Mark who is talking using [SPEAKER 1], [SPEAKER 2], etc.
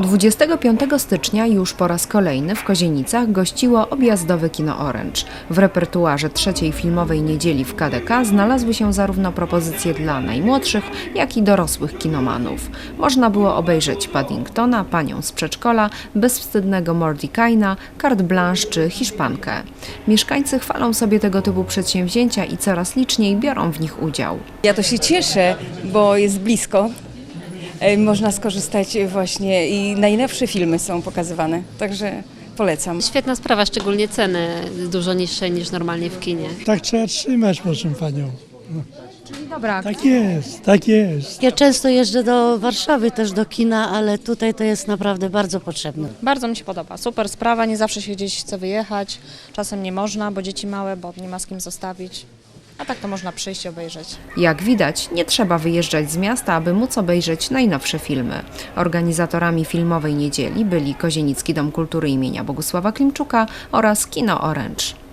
[SPEAKER 1] 25 stycznia już po raz kolejny w Kozienicach gościło objazdowe Kino Orange. W repertuarze trzeciej filmowej niedzieli w KDK znalazły się zarówno propozycje dla najmłodszych, jak i dorosłych kinomanów. Można było obejrzeć Paddingtona, Panią z przedszkola, Bezwstydnego Mordekaina, Carte Blanche czy Hiszpankę. Mieszkańcy chwalą sobie tego typu przedsięwzięcia i coraz liczniej biorą w nich udział.
[SPEAKER 2] Ja to się cieszę, bo jest blisko. Można skorzystać właśnie i najnowsze filmy są pokazywane, także polecam.
[SPEAKER 3] Świetna sprawa, szczególnie ceny dużo niższe niż normalnie w kinie.
[SPEAKER 4] Tak trzeba trzymać, proszę panią.
[SPEAKER 1] Czyli dobra.
[SPEAKER 4] Tak jest, tak jest.
[SPEAKER 5] Ja często jeżdżę do Warszawy też do kina, ale tutaj to jest naprawdę bardzo potrzebne.
[SPEAKER 6] Bardzo mi się podoba, super sprawa, nie zawsze się gdzieś chce wyjechać, czasem nie można, bo dzieci małe, bo nie ma z kim zostawić, a tak to można przyjść i obejrzeć.
[SPEAKER 1] Jak widać, nie trzeba wyjeżdżać z miasta, aby móc obejrzeć najnowsze filmy. Organizatorami filmowej niedzieli byli Kozienicki Dom Kultury imienia Bogusława Klimczuka oraz Kino Orange.